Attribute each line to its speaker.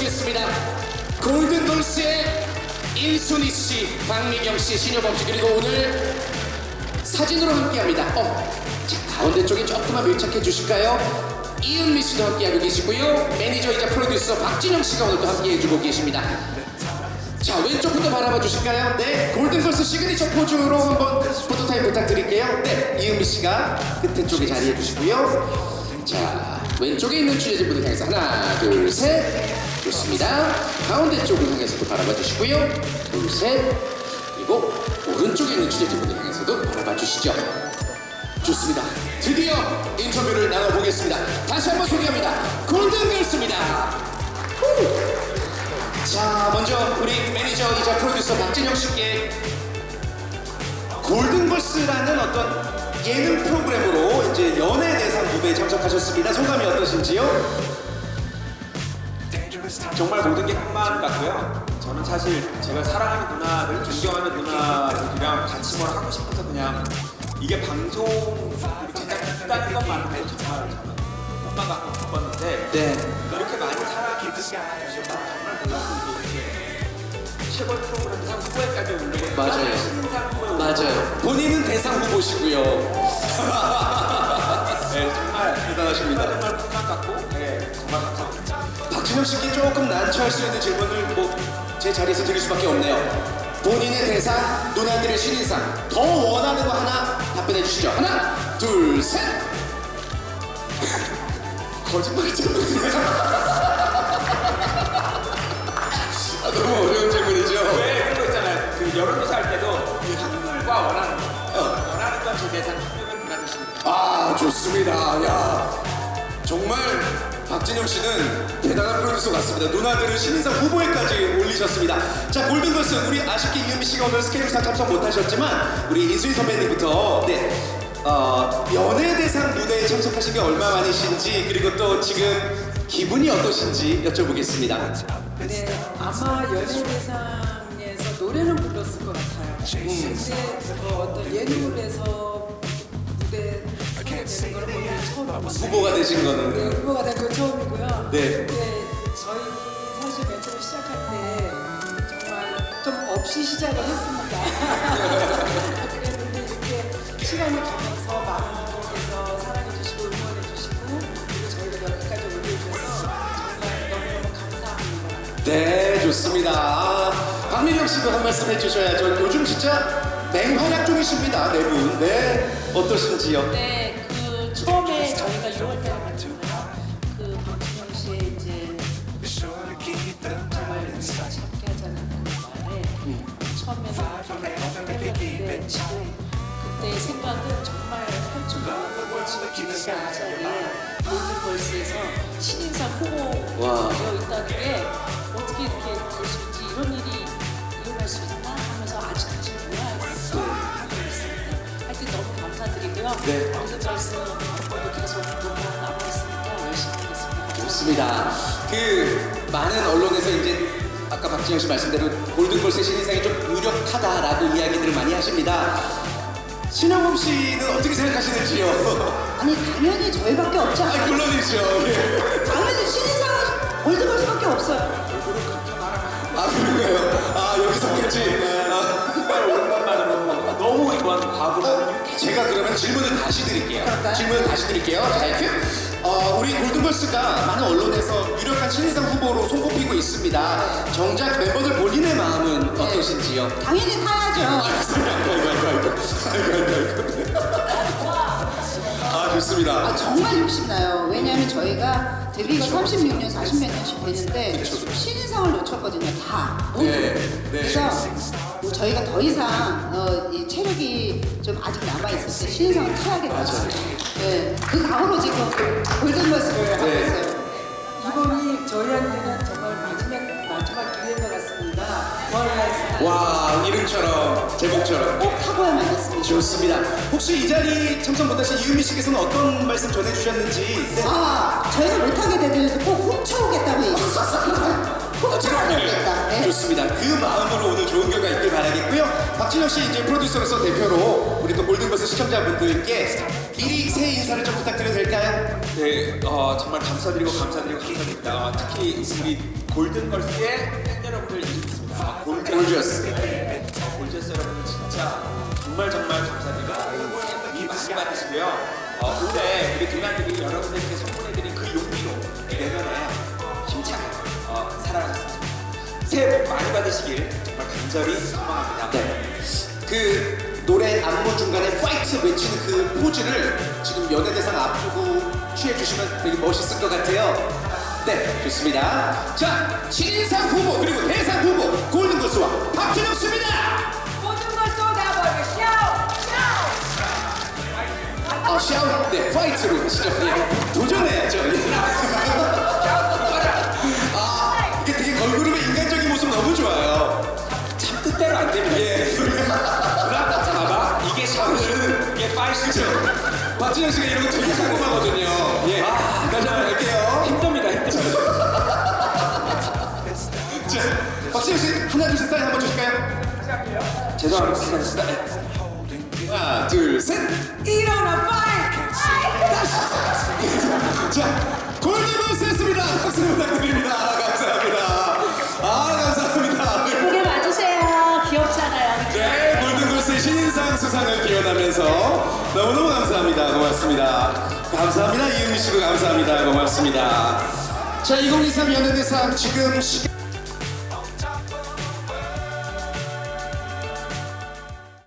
Speaker 1: 모시겠습니다. 골든걸스의 인순이 씨, 박미경 씨, 신효범 씨, 그리고 오늘 사진으로 함께합니다. 자, 가운데 쪽에 조금만 밀착해 주실까요? 이은미 씨도 함께하고 계시고요. 매니저이자 프로듀서 박진영 씨가 오늘도 함께해주고 계십니다. 자, 왼쪽부터 바라봐 주실까요? 네, 골든걸스 시그니처 포즈로 한번 포토타임 부탁드릴게요. 네, 이은미 씨가 끝에 쪽에 자리해 주시고요. 자, 왼쪽에 있는 취재진분을 향해서 하나, 둘, 셋. 좋습니다. 가운데 쪽을 향해서도 바라봐 주시고요. 둘, 셋. 그리고 오른쪽에 있는 취재진분을 향해서도 바라봐 주시죠. 좋습니다. 드디어 인터뷰를 나눠보겠습니다. 다시 한번 소개합니다. 골든걸스입니다. 자, 먼저 우리 매니저이자 프로듀서 박진영 씨께 골든걸스라는 어떤 예능 프로그램으로 이제 연예대상 무대에 참석하셨습니다. 소감이 어떠신지요?
Speaker 2: 정말 모든 게 한마음 같고요. 저는 사실 제가 사랑하는 누나들, 존경하는 누나들이랑 같이 뭘 하고 싶어서 그냥 이게 방송 제작했다는 것만으로 정말 저는 꿈만 갖고 싶었는데
Speaker 1: 네.
Speaker 2: 이렇게 많이 사랑해 주시면 정말 몰랐어요. 최고의 프로그램 상 후보에까지 오르고
Speaker 1: 맞아요.
Speaker 2: 신인상 후보에
Speaker 1: 맞아요. 본인은 대상 후보시고요.
Speaker 2: 네, 정말
Speaker 1: 대단하십니다.
Speaker 2: 정말 꿈만 갖고 네, 정말 감사합니다.
Speaker 1: 박진영 씨께 조금 난처할 수 있는 질문을 제 자리에서 드릴 수밖에 없네요. 본인의 대상, 누나들의 신인상 더 원하는 거 하나 답변해 주시죠. 하나, 둘, 셋. 거짓말이잖아요. 너무 어려운 질문이죠.
Speaker 2: 왜 그런 거 있잖아요. 그 여론조사 할 때도 그 확률과 원하는 건 제 대상 확률은 누나들십니다.
Speaker 1: 아, 좋습니다. 야, 정말 박진영 씨는 대단한 프로듀서 같습니다. 누나들은 신인상 후보에까지 올리셨습니다. 자, 골든걸스 우리 아쉽게 이은미 씨가 오늘 스케줄상 참석 못하셨지만 우리 인수희 선배님부터 연예대상 무대에 참석하신 게 얼마 만이신지 그리고 또 지금 기분이 어떠신지 여쭤보겠습니다.
Speaker 3: 네, 아마 연예대상에서 노래는 불렀을 것 같아요. 근데 어떤 예능에서 무대 되는 걸 보는 게 처음이고
Speaker 1: 후보가 되신 거는
Speaker 3: 네, 후보가 된 건 처음이고요.
Speaker 1: 네.
Speaker 3: 근데 저희 사실 맨 처음 시작할 때 정말 좀 없이 시작을 했습니다. 그랬는데 이렇게 시간이 가면서 많은 분들께서 사랑해주시고 응원해주시고 그리고 저희가 여기까지 올려주셔서 정말 너무너무 감사합니다.
Speaker 1: 네, 좋습니다. 박민영 씨도 한 말씀 해주셔야죠. 요즘 진짜 맹활약 중이십니다, 네 분. 네, 어떠신지요?
Speaker 4: 네, 그 처음에 저희가 6월달에 만났잖아요. 그 박진영 씨의 이제 정말 우리가 함께 하자는 그 말에 처음에는 정말 너무 떨렸는데 지금 그때의 생각은 정말 펼쳐보고 지금 기회가 자리에 골든걸스에서 신인상 후보 되어 있다는 게 어떻게 이렇게 될 수 있지 이런 일이 일어날 수 있나 하면서 아직까지 몰라요. 하여튼 너무 감사드리고요.
Speaker 1: 네.
Speaker 4: 골든걸스 앞으로도 계속 노래가 남아있으니까 열심히 하겠습니다.
Speaker 1: 좋습니다. 그 많은 언론에서 이제 아까 박진영 씨 말씀대로 골든걸스의 신인상이 좀 유력하다라고 이야기들을 많이 하십니다. 신영범 씨는 어떻게 생각하시는지요?
Speaker 5: 아니 당연히 저희밖에 없지
Speaker 1: 아,
Speaker 5: 않아요?
Speaker 1: 물론이죠. 예.
Speaker 5: 당연히 신인상은 골든걸스밖에 없어요.
Speaker 1: 아, 그런가요? 아, 여기서까지.
Speaker 2: 정말 오랜만으로 너무 좋아하는 과거를
Speaker 1: 제가 그러면 질문을 다시 드릴게요.
Speaker 5: 그럴까요?
Speaker 1: 질문을 다시 드릴게요. 자, 큐. 우리 골든걸스가 많은 언론에서 유력한 신인상 후보로 손꼽히고 있습니다. 정작 멤버들 본인의 마음은 어떠신지요?
Speaker 5: 당연히 타야죠.
Speaker 1: 아, 좋습니다.
Speaker 5: 아, 정말 욕심나요. 왜냐하면 저희가 데뷔가 36년, 40몇 년씩 되는데 신인상을 놓쳤거든요. 다.
Speaker 1: 네, 네.
Speaker 5: 그래서 뭐 저희가 더 이상 이 체력이 좀 아직 남아있을 때 신인상을 타야겠다. 네, 그 각오로 지금 골든걸스를 하고
Speaker 1: 네.
Speaker 5: 있어요.
Speaker 3: 이번이 저희한테는 정말 마지막 기회인 것 같습니다. 월라이스
Speaker 1: 와, 이름처럼, 제목처럼.
Speaker 5: 꼭 타고야만 했습니다.
Speaker 1: 좋습니다. 혹시 이 자리 참석 못하신 이은미 씨께서는 어떤 말씀 전해주셨는지? 네.
Speaker 5: 아, 저희가 못하게 되더라도 꼭 훔쳐오겠다고 얘기했었어요. 꼭 훔쳐오겠다. 네.
Speaker 1: 좋습니다. 그 마음으로 오늘 좋은 결과 있길 바라겠고요. 박진영 씨 이제 프로듀서로서 대표로 우리 또 골든버스 시청자분들께 미리 새해 인사를 좀 부탁드려도 될까요?
Speaker 2: 네, 정말 감사드리고 감사드립니다. 특히 우리 골든걸스의 팬 여러분들 있습니다.
Speaker 1: 골저스.
Speaker 2: 골저스 여러분 진짜 정말 감사드리고 이 많이 받으시고요. 올해 우리 누나들이 여러분들께 선물해드린 그 용기로 내년에 힘차게 살아가셨습니다. 새해 복 많이 받으시길 정말 간절히 소망합니다.
Speaker 1: 네. 그 노래 안무 중간에 파이트 외치는 그 포즈를 지금 연예대상 앞두고 취해주시면 되게 멋있을 것 같아요. 네, 좋습니다. 자, 신인상 후보 그리고 대상 후보 골든걸스와 박준영 씨입니다.
Speaker 3: 모든 걸 쏟아버려
Speaker 1: 샤운, 네, 파이트로 시작해요. 도전해야죠. 이게 되게 걸그룹의 인간적인 모습 너무 좋아요.
Speaker 2: 참 뜻대로 안 됩니다.
Speaker 1: 예.
Speaker 2: 누나 봐봐. 이게 샤워는 이게 파이트죠.
Speaker 1: 박준영 씨가 이런 거 되게 궁금하거든요. 예. 다시 한번 갈게요.
Speaker 2: 힘듭니다.
Speaker 1: 자, 박준영 씨 하나 둘 셋 사인 한번 주실까요?
Speaker 2: 죄송합니다.
Speaker 1: 하나 둘 셋.
Speaker 3: 일어나 파이트!
Speaker 1: 자, 골든걸스였습니다. 박수 부탁드립니다. 감사합니다. 감사합니다.
Speaker 4: 예쁘게 봐주세요. 귀엽잖아요.
Speaker 1: 네, 골든걸스의 신인상 수상을 기원하면서 너무너무 감사합니다. 고맙습니다. 감사합니다. 이은미 씨도 감사합니다. 고맙습니다. 자, 2023 연예대상 지금 시간